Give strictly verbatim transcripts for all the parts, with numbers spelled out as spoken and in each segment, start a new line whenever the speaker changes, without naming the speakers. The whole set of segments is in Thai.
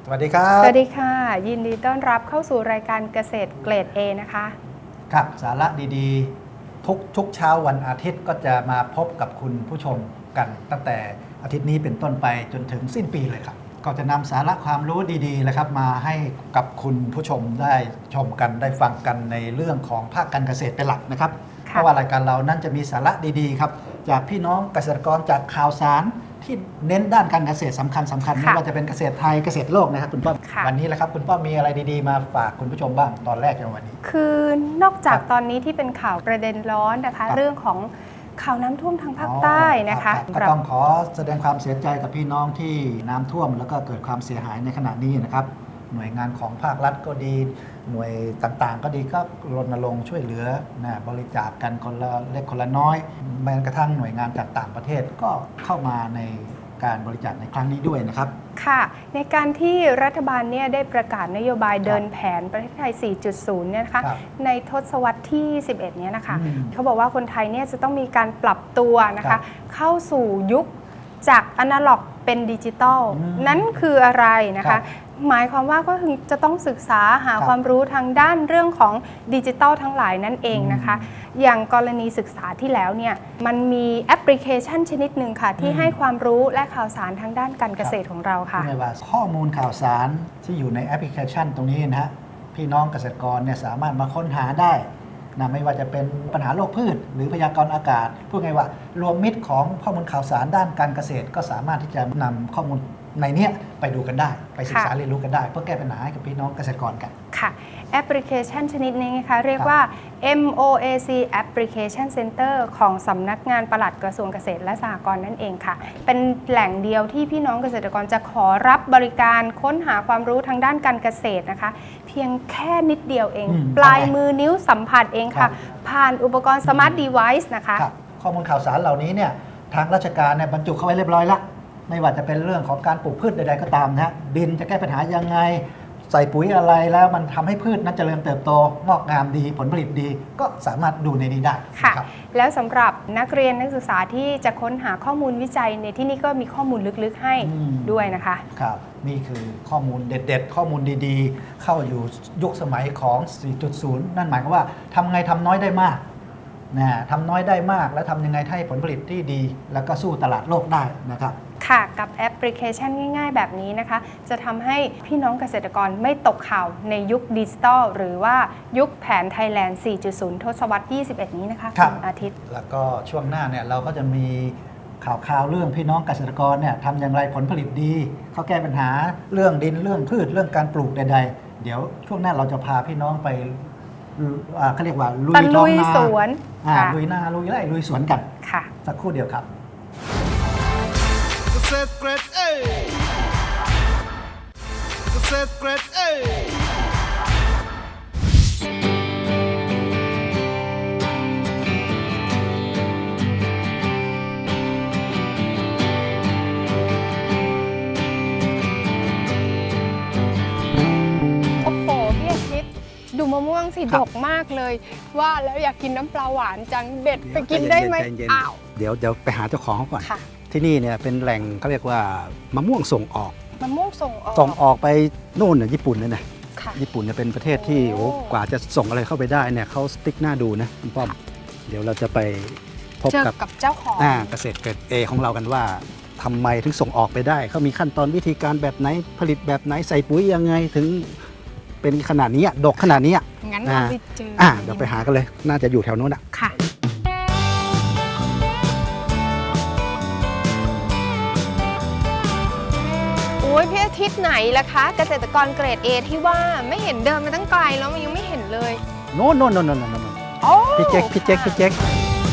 วัสดีครับ
สวัสดีค่ะยินดีต้อนรับเข้าสู่รายการเกษตรเกรด A นะคะ
ครับสาระดีๆทุกทุกเช้าวันอาทิตย์ก็จะมาพบกับคุณผู้ชมกันตั้งแต่อาทิตย์นี้เป็นต้นไปจนถึงสิ้นปีเลยครับก็จะนำสาระความรู้ดีๆนะครับมาให้กับคุณผู้ชมได้ชมกันได้ฟังกันในเรื่องของภาคการเกษตรเป็นหลักนะครับเพราะว่ารายการเรานั้นจะมีสาระดีๆครับจากพี่น้องเกษตรกรจากข่าวสารที่เน้นด้านการเกษตรสำคัญสำคัญไม่ว่าจะเป็นเกษตรไทยเกษตรโลกนะครับคุณป้อมวันนี้แหละครับคุณป้อมมีอะไรดีๆมาฝากคุณผู้ชมบ้างตอนแรกในวันนี้
คือนอกจากตอนนี้ที่เป็นข่าวประเด็นร้อนนะคะเรื่องของข่าวน้ำท่วมทางภาคใต้นะคะ
ก็ต้องขอแสดงความเสียใจกับพี่น้องที่น้ำท่วมแล้วก็เกิดความเสียหายในขณะนี้นะครับหน่วยงานของภาครัฐก็ดีหน่วยต่างๆก็ดีก็รณรงค์ช่วยเหลือนะบริจาคกันคนละเล็กคนละน้อยแม้กระทั่งหน่วยงานจากต่างประเทศก็เข้ามาในการบริจาคในครั้งนี้ด้วยนะครับ
ค่ะในการที่รัฐบาลเนี่ยได้ประกาศนโยบายเดินแผนประเทศไทย สี่จุดศูนย์ เนี่ยนะคะในทศวรรษที่ สิบเอ็ด เนี่ยนะคะเขาบอกว่าคนไทยเนี่ยจะต้องมีการปรับตัวนะคะเข้าสู่ยุคจากอนาล็อกเป็นดิจิตอลนั้นคืออะไรนะคะหมายความว่าก็คือจะต้องศึกษาหาความรู้ทางด้านเรื่องของดิจิตอลทั้งหลายนั่นเองนะคะอย่างกรณีศึกษาที่แล้วเนี่ยมันมีแอปพลิเคชันชนิดหนึ่งค่ะที่ให้ความรู้และข่าวสารทางด้านการเกษตรของเราค่ะ
ไม่ว่าข้อมูลข่าวสารที่อยู่ในแอปพลิเคชันตรงนี้นะฮะพี่น้องเกษตรกรเนี่ยสามารถมาค้นหาได้นะไม่ว่าจะเป็นปัญหาโรคพืชหรือพยากรณ์อากาศพูดง่ายว่ารวมมิตรของข้อมูลข่าวสารด้านการเกษตรก็สามารถที่จะนำข้อมูลในนี้ไปดูกันได้ไปศึกษาเรียนรู้กันได้เพื่อแก้ปัญหาให้กับพี่น้องเกษตรกรกัน
ค่ะแอปพลิเคชันชนิดนี้นะคะเรียกว่า เอ็ม โอ เอ ซี Application Center ของสำนักงานปลัดกระทรวงเกษตรและสหกรณ์นั่นเองค่ะเป็นแหล่งเดียวที่พี่น้องเกษตรกรจะขอรับบริการค้นหาความรู้ทางด้านการเกษตรนะคะเพียงแค่นิดเดียวเองปลายมือนิ้วสัมผัสเองค่ะผ่านอุปกรณ์ Smart Device นะคะ
ข้อมูลข่าวสารเหล่านี้เนี่ยทางราชการเนี่ยบรรจุเข้าไว้เรียบร้อยแล้วไม่ว่าจะเป็นเรื่องของการปลูกพืชใดๆก็ตามนะดินจะแก้ปัญหายังไงใส่ปุ๋ยอะไรแล้วมันทำให้พืชนั้นเจริญเติบโตงอกงามดีผลผลิตดีก็สามารถดูในนี้ได้
ค่ะแล้วสำหรับนักเรียนนักศึกษาที่จะค้นหาข้อมูลวิจัยในที่นี้ก็มีข้อมูลลึกๆให้ด้วยนะคะ
ครับนี่คือข้อมูลเด็ดๆข้อมูลดีๆเข้าอยู่ยุคสมัยของ สี่จุดศูนย์ นั่นหมายความว่าทำไงทำน้อยได้มากนะทำน้อยได้มากแล้วทำยังไงให้ผลผลิตที่ดีแล้วก็สู้ตลาดโลกได้นะครับ
ค่ะกับแอปพลิเคชันง่ายๆแบบนี้นะคะจะทำให้พี่น้องเกษตรกรไม่ตกข่าวในยุคดิจิทัลหรือว่ายุคแผนไทยแลนด์ สี่จุดศูนย์ ทศวรรษที่ สิบเอ็ด นี้นะคะ
คุณ
อาทิตย์
แล้วก็ช่วงหน้าเนี่ยเราก็จะมีข่าวข่าวเรื่องพี่น้องเกษตรกรเนี่ยทำอย่างไรผลผลิตดีเขาแก้ปัญหาเรื่องดินเรื่องพืชเรื่องการปลูกใดๆเดี๋ยวช่วงหน้าเราจะพาพี่น้องไปเขาเรียกว่าลุยท้องนา
สวน
ลุยนาลุยไร่ลุยสวนกัน
ค่ะ
สักครู่เดียวครับ
เกษตรเกรด A เกษตรเกรด A
โอ้โหพี่อาทิตย์ดูมะม่วงสิดกมากเลยว่าแล้วอยากกินน้ำปลาหวานจังเด็ดไปกินได้ไหมอ้าว
เดี๋ยวเดี๋ยวไปหาเจ้าของเขาก่อนที่นี่เนี่ยเป็นแหล่งเขาเรียกว่ามะม่วงส่งออก
มะม่วงส่งออก
ส่งออกไปโน่นน่ะญี่ปุ่นเลยนะญี่ปุ่นเนี่ยเป็นประเทศที่โอ้กว่าจะส่งอะไรเข้าไปได้เนี่ยเขาสติ๊กหน้าดูนะคุณป้อมเดี๋ยวเราจะไปพบกับ
เจ้าของ
เกษตรเกรด A ของเรากันว่าทำไมถึงส่งออกไปได้เขามีขั้นตอนวิธีการแบบไหนผลิตแบบไหนใส่ปุ๋ยยังไงถึงเป็นขนาดนี้ดกขนาดนี้
งั้นเราไปเจอ
เดี๋ยวไปหากันเลยน่าจะอยู่แถวโน้นอ่ะ
ค่ะโอ้ยพี่อาทิตย์ไหนล่ะคะเกษตรกรเกรด A ที่ว่าไม่เห็นเดินมาตั้งไกลแล้วมันยังไม่เห็นเลย
โน่นโน่นโน่นโน่นโน่นพี่เจ๊กพี่เจ๊กพี่เจ๊ก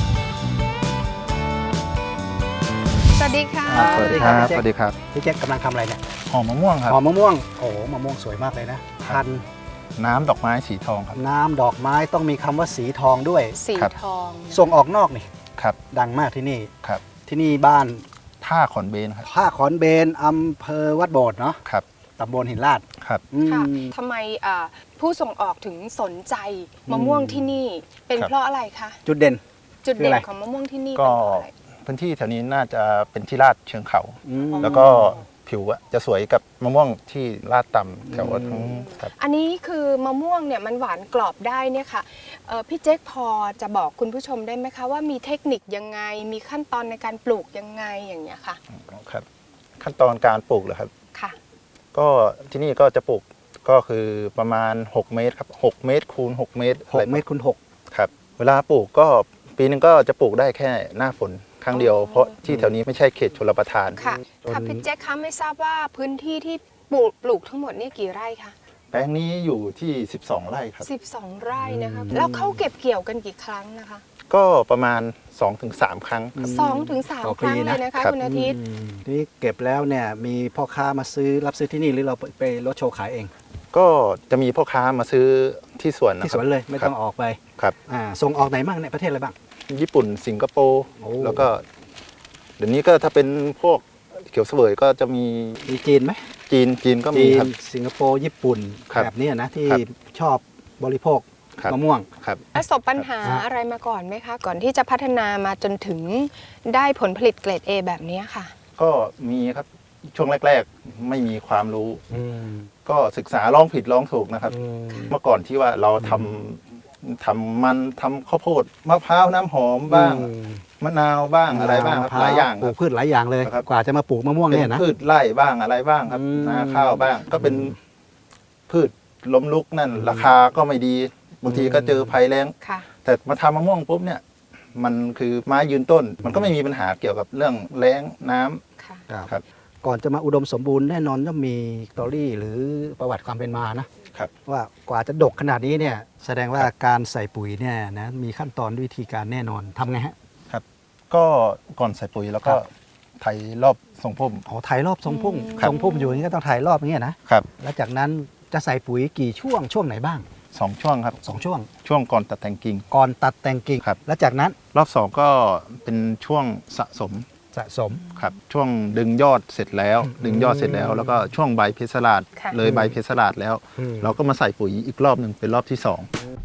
สวัสดีค่ะ
สวัสดีครับสวัสดีครับ
พี่เจ๊กกำลังทำอะไรเนี่ย
ห่อมะม่วงครับ
ห่อมะม่วงโอ้มะม่วงสวยมากเลยนะพัน
น้ำดอกไม้สีทองครับ
น้ำดอกไม้ต้องมีคำว่าสีทองด้วย
สีทอง
ส่งออกนอกนี่
ครับ
ดังมากที่นี่
ครับ
ที่นี่บ้าน
ท่าขอนเบนครับ
ท่าขอนเบนอำเภอวัดโบสถ์เนาะ
ครับ
ตำบลหินลาด
ครับ
ค่ะทำไมผู้ส่งออกถึงสนใจมะม่วงที่นี่เป็นเพราะอะไรคะ
จุดเด่น
จุดเด่นของมะม่วงที่นี่
ก็พื้นที่แถวนี้น่าจะเป็นที่ลาดเชิงเขาแล้วก็ผิวอะจะสวยกับมะม่วงที่ลาดต่ำแถวทั้งครับ
อันนี้คือมะม่วงเนี่ยมันหวานกรอบได้เนี่ยค่ะเอ่อพี่เจ๊กพอจะบอกคุณผู้ชมได้ไหมคะว่ามีเทคนิคยังไงมีขั้นตอนในการปลูกยังไงอย่างเงี้ยค่ะ
ครับขั้นตอนการปลูกเหรอครับ
ค่ะ
ก็ที่นี่ก็จะปลูกก็คือประมาณ หก เมตรครับหกเมตรคูณหกเมตร
หกเมตรคูณหก
ครับเวลาปลูกก็ปีนึงก็จะปลูกได้แค่หน้าฝนครั้งเดียวเพราะที่แถวนี้ไม่ใช่เขตชลประทาน
ค่ะ
จน
ค่ะพี่เจ๊กคะไม่ทราบว่าพื้นที่ที่ปลูกปลูกทั้งหมดเนี่ยกี่ไร่คะ
แปลงนี้อยู่ที่ สิบสอง ไร่ครับ
สิบสองไร่นะคะแล้วเขาเก็บเกี่ยวกันกี่ครั้งนะคะ
ก็ประมาณ สองถึงสาม ครั้งครับ
สองถึงสาม
ต่อ
ค
ปี
รั้ง
นะ
เลยนะคะ
ครับ
คุณอาทิตย์
อืมทีนี้เก็บแล้วเนี่ยมีพ่อค้ามาซื้อรับซื้อที่นี่หรือเราไปรถโชว์ขายเอง
ก็จะมีพ่อค้ามาซื้อที่สวนนะ
ที่
ค
ส
รับ
วนเลยไม่ต้อง
ครับ
ออกไป
ครับ
อ่าส่งออกไหนบ้างเนี่ยประเทศอะไรบ้าง
ญี่ปุ่นสิงคโปร์
โอ้
แล้วก็เดี๋ยวนี้ก็ถ้าเป็นพวกเขียวเสวยก็จะมี
มีจีนไหม
จีนจีนก็มี
จี
คน รับ
สิงคโปร์ญี่ปุ่น
ครับ
แบบเนี้ยนะที่
ครับ
ชอบบริโภค
ครับ
มะม่วง
ครับ
ประสบปัญหา
ครับ
อะไรมาก่อนไหมคะ ก่อนที่จะพัฒนามาจนถึงได้ผลผลิตเกรด A แบบนี้ค่ะ
ก็มีครับช่วงแรก ๆ ไม่มีความรู้
อืม
ก็ศึกษาลองผิดลองถูกนะครับ
อืม
เมื่อก่อนที่ว่าเราทำทำมันทำข้าวโพดมะพร้าวน้ำหอมบ้าง
อืม
มะนาวบ้างอะไรบ้างครับหลายอย่าง
ป
ค
ลู
รั
ก
บ
พืชหลายอย่างเลย
ครับ
กว่าจะมาปลูกมะม่วง
เป็น
เนี่ยนะ
พืชไร่บ้างอะไรบ้างครับ
อืม
นาข้าวบ้าง ก็เป็นพืชล้มลุกนั่น ราคาก็ไม่ดีบางทีก็เจอภัยแล้ง
ค่ะ
แต่มาทำมะม่วงปุ๊บเนี่ยมันคือไม้ยืนต้น มันก็ไม่มีปัญหาเกี่ยวกับเรื่องแล้งน้ำ
ค่ะ
ครับ
ก่อนจะมาอุดมสมบูรณ์แน่นอนต้องมีสตอรี่หรือประวัติความเป็นมานะครับ ว่ากว่าจะดกขนาดนี้เนี่ยแสดงว่าการใส่ปุ๋ยเนี่ยนะมีขั้นตอนวิธีการแน่นอนทำไงฮะ
ก็ก่อนใส่ปุ๋ยแล้วก็
ครับ
ไถรอบทรงพุ่ม
อ๋อถ่ายรอบทรงพุ่ม
อืม
ทรงพุ่มอยู่อย่างนี้ก็ต้องถ่ายรอบอย่างเงี้ยนะครับ แล้วจากนั้นจะใส่ปุ๋ยกี่ช่วงช่วงไหนบ้าง
สองช่วงครับ
สองช่วง
ช่วงก่อนตัดแต่งกิ่ง
ก่อนตัดแต่งกิ่ง
ครับ
แล้วจากนั้น
รอบสองก็เป็นช่วงสะสม
สะสม
ครับช่วงดึงยอดเสร็จแล้ว ดึงยอดเสร็จแล้ว แล้วก็ช่วงใบเพชรลาด
ค่ะ
เลยใบเพชรลาดแล้ว
อืม
เราก็มาใส่ปุ๋ยอีกรอบหนึ่งเป็นรอบที่สอง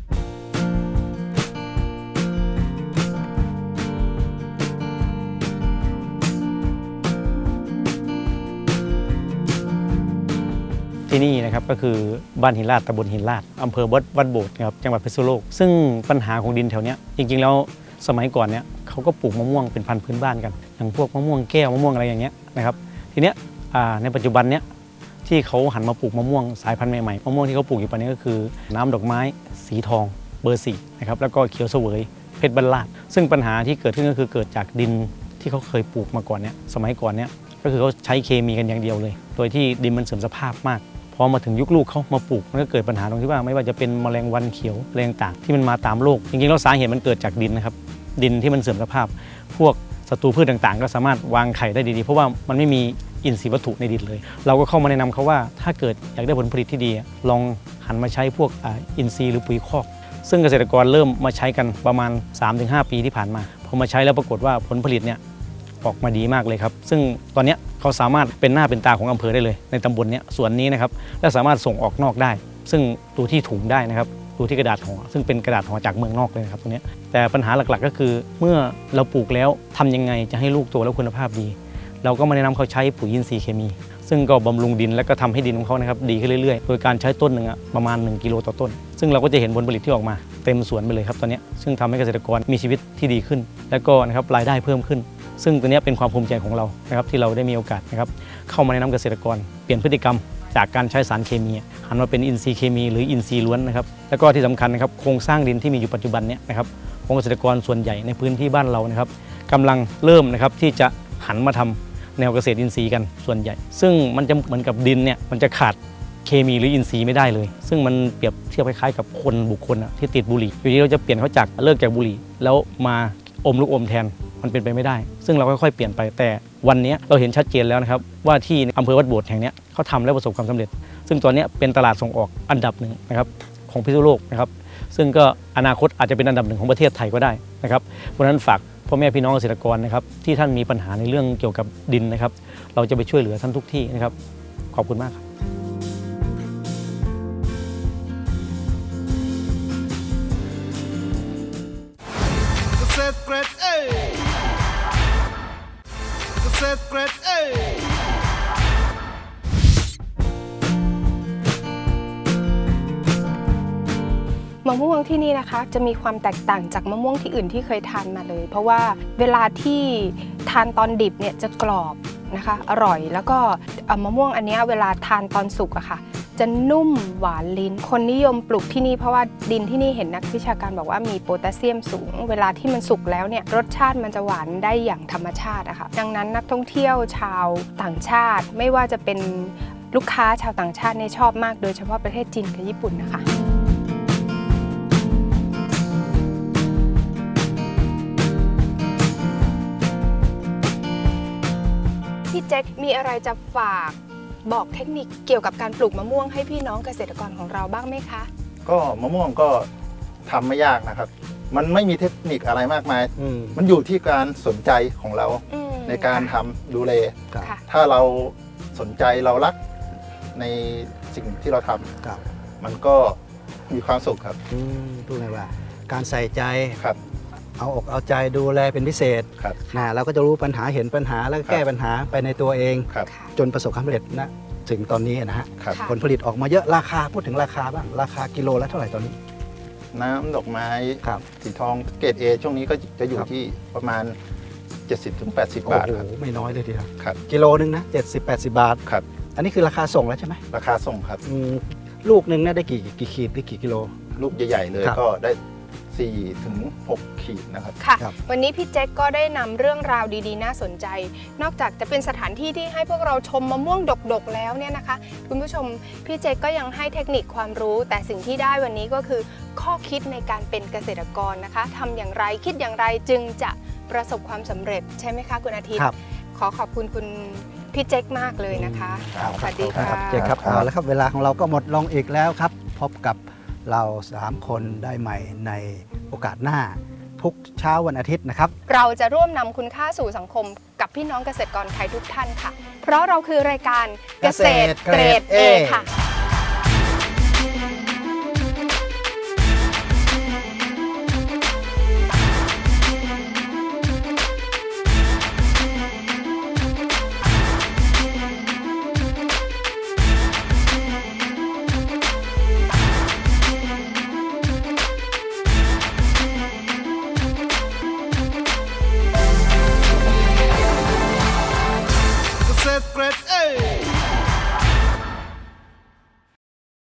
ที่นี่นะครับก็คือบ้านหินลาดตำบลหินลาดอำเภอวัดวัดโบสถ์นะครับจังหวัดพิษณุโลกซึ่งปัญหาของดินแถวเนี้ยจริงๆแล้วสมัยก่อนเนี่ยเขาก็ปลูกมะม่วงเป็นพันธุ์พื้นบ้านกันอย่างพวกมะม่วงแก้วมะม่วงอะไรอย่างเงี้ยนะครับทีเนี้ยอ่าในปัจจุบันเนี้ยที่เขาหันมาปลูกมะม่วงสายพันธุ์ใหม่ๆมะม่วงที่เขาปลูกอยู่ปัจจุบันนี้ก็คือน้ำดอกไม้สีทองเบอร์สี่นะครับแล้วก็เขียวเสวยเพชรบรรลาดซึ่งปัญหาที่เกิดขึ้นก็คือเกิดจากดินที่เขาเคยปลูกมาก่อนเนี่ยสมัยก่อนเนี่ยก็คือเขาใช้เคมีกันอย่างเดียวเลย โดยที่ดินมันเสื่อมสภาพมาก พอมาถึงยุคลูกเขามาปลูกมันก็เกิดปัญหาตรงที่ว่าไม่ว่าจะเป็นแมลงวันเขียวแรงต่างที่มันมาตามโลกจริงๆแล้วสาเหตุมันเกิดจากดินนะครับดินที่มันเสื่อมสภาพ พวกศัตรูพืชต่างๆ ก็สามารถวางไข่ได้ดีๆเพราะว่ามันไม่มีอินทรีย์วัตถุในดินเลย เราก็เข้ามาแนะนำเขาว่าถ้าเกิดอยากได้ผลผลิตที่ดีลองหันมาใช้พวกอ่าอินทรีย์หรือปุ๋ยคอก ซึ่งเกษตรกรเริ่มมาใช้กันประมาณ สามถึงห้า ปีที่ผ่านมาพอมาใช้แล้วปรากฏว่าผลผลิตเนี่ยออกมาดีมากเลยครับซึ่งตอนเนี้ยเขาสามารถเป็นหน้าเป็นตาของอำเภอได้เลยในตำบลเนี้ยส่วนนี้นะครับและสามารถส่งออกนอกได้ ซึ่งดูที่ถุงได้นะครับดูที่กระดาษห่อซึ่งเป็นกระดาษห่อจากเมืองนอกเลยนะครับตรงเนี้ยแต่ปัญหาหลักๆก็คือเมื่อเราปลูกแล้วทำยังไงจะให้ลูกโตแล้วคุณภาพดี เราก็มาแนะนำเขาใช้ปุ๋ยอินทรีย์เคมี ซึ่งก็บำรุงดินและก็ทำให้ดินของเขานะครับดีขึ้นเรื่อยๆ โดยการใช้ต้นหนึ่งอะประมาณหนึ่งกิโลต่อต้น ซึ่งเราก็จะเห็นผลผลิตที่ออกมาเต็มสวนไปเลยครับตอนนี้ซึ่งทำให้เกษตรกรมีชีวิตที่ดีขึ้น และก็นะครับรายได้เพิ่มขึ้น ซึ่งตัวนี้เป็นความภูมิใจของเรานะครับที่เราได้มีโอกาสนะครับเข้ามาแนะนำเกษตรกรเปลี่ยนพฤติกรรมจากการใช้สารเคมีหันมาเป็นอินทรีย์เคมีหรืออินทรีย์ล้วนนะครับแล้วก็ที่สำคัญนะครับโครงสร้างดินที่มีอยู่ปัจจุบันเนี้นะครับของเกษตรกรส่วนใหญ่ในพื้นที่บ้านเรานะครับกำลังเริ่มนะครับที่จะหันมาทำแนวเกษตรอินทรีย์กันส่วนใหญ่ ซึ่งมันจะเหมือนกับดินเนี่ยมันจะขาดเคมีหรืออินทรีย์ไม่ได้เลย ซึ่งมันเปรียบเทียบคล้ายๆกับคนบุคคลอะที่ติดบุหรี่อยู่ดีเราจะเปลี่ยนเขาจากเลิกจากบุหรี่แล้วมาอมลูกอมแทนมันเป็นไปไม่ได้ ซึ่งเราค่อยๆเปลี่ยนไปแต่วันนี้เราเห็นชัดเจนแล้วนะครับว่าที่อำเภอวัดโบสถ์แห่งนี้เขาทำและประสบความสำเร็จ ซึ่งตัวนี้เป็นตลาดส่งออกอันดับหนึ่งนะครับของพิษณุโลกนะครับซึ่งก็อนาคตอาจจะเป็นอันดับหนึ่งของประเทศไทยก็ได้นะครับเพราะฉะนั้นฝากพ่อแม่พี่น้องเกษตรกรนะครับที่ท่านมีปัญหาในเรื่องเกี่ยวกับดินนะครับเราจะไปช่วยเหลือท่านทุกที่นะครับขอบคุณมากครับ
เกษตรเกรดเอเกษตรเกรดเอ
ะม่วงที่นี่นะคะจะมีความแตกต่างจากมะม่วงที่อื่นที่เคยทานมาเลย เพราะว่าเวลาที่ทานตอนดิบเนี่ยจะกรอบนะคะอร่อยแล้วก็มะม่วงอันนี้เวลาทานตอนสุกอะค่ะจะนุ่มหวานลิ้นคนนิยมปลูกที่นี่เพราะว่าดินที่นี่เห็นนักวิชาการบอกว่ามีโพแทสเซียมสูงเวลาที่มันสุกแล้วเนี่ยรสชาติมันจะหวานได้อย่างธรรมชาติอะค่ะดังนั้นนักท่องเที่ยวชาวต่างชาติไม่ว่าจะเป็นลูกค้าชาวต่างชาติเนี่ยชอบมากโดยเฉพาะประเทศจีนกับญี่ปุ่นนะคะพี่แจ็คมีอะไรจะฝากบอกเทคนิคเกี่ยวกับการปลูกมะม่วงให้พี่น้องเกษตรกรของเราบ้างไหมคะ
ก็มะม่วงก็ทำไม่ยากนะครับ มันไม่มีเทคนิคอะไรมากมาย
อืม
มันอยู่ที่การสนใจของเรา
อืม
ในการทำดูแล
ครับ
ค่ะ
ถ้าเราสนใจเรารักในสิ่งที่เราทำ
ครับ
มันก็มีความสุขครับ
อืมพูดไงว่า การใส่ใจ
ครับ
เอาอกเอาใจดูแลเป็นพิเศษ
ครับ
นะเราก็จะรู้ปัญหาเห็นปัญหาแล้วก็แก้ปัญหาไปในตัวเอง
ครับ
ค่ะ
จนประสบความสำเร็จนะถึงตอนนี้นะฮะ
ครับ
ค่ะ
ผลผลิตออกมาเยอะราคาพูดถึงราคาบ้างราคากิโลละเท่าไหร่ตอนนี้
น้ำดอกไม้
ครับ
สีทองเกรด A ช่วงนี้ก็จะอยู่
ครับ
ที่ประมาณ เจ็ดสิบถึงแปดสิบ
โอ้
บาท
โห
ครับ
ไม่น้อยเลยทีเดียว
ครับ
กิโลนึงนะเจ็ดสิบแปดสิบบาท
ครับ
อันนี้คือราคาส่งแล้วใช่ไหม
ราคาส่งครับ
อืมลูกหนึ่งเนี่ยได้กี่กี่ขีดหรือกี่กิโล
ลูกใหญ่ ๆ เลย
ครับ
ก็ได้สี่ถึงหกขีดนะครับ
ค่ะ
ครับ
วันนี้พี่แจ็คก็ได้นำเรื่องราวดีๆ น่าสนใจ นอกจากจะเป็นสถานที่ที่ให้พวกเราชมมะม่วงดกๆแล้วเนี่ยนะคะ คุณผู้ชมพี่แจ็คก็ยังให้เทคนิคความรู้ แต่สิ่งที่ได้วันนี้ก็คือข้อคิดในการเป็นเกษตรกรนะคะทำอย่างไรคิดอย่างไรจึงจะประสบความสำเร็จใช่ไหมคะคุณอาทิตย์
ครับ
ขอขอบคุณคุณพี่แจ็คมากเลยนะคะ
ครับ
สวัสดีค่ะ
ครับเจ๊ครับเอาแล้วครับเวลาของเราก็หมดลงอีกแล้วครับ พบกับเราสามคนได้ใหม่ในโอกาสหน้า ทุกเช้าวันอาทิตย์นะครับ
เราจะร่วมนำคุณค่าสู่สังคมกับพี่น้องเกษตรกรไทยทุกท่านค่ะ เพราะเราคือรายการเกษตรเกรด A ค่ะ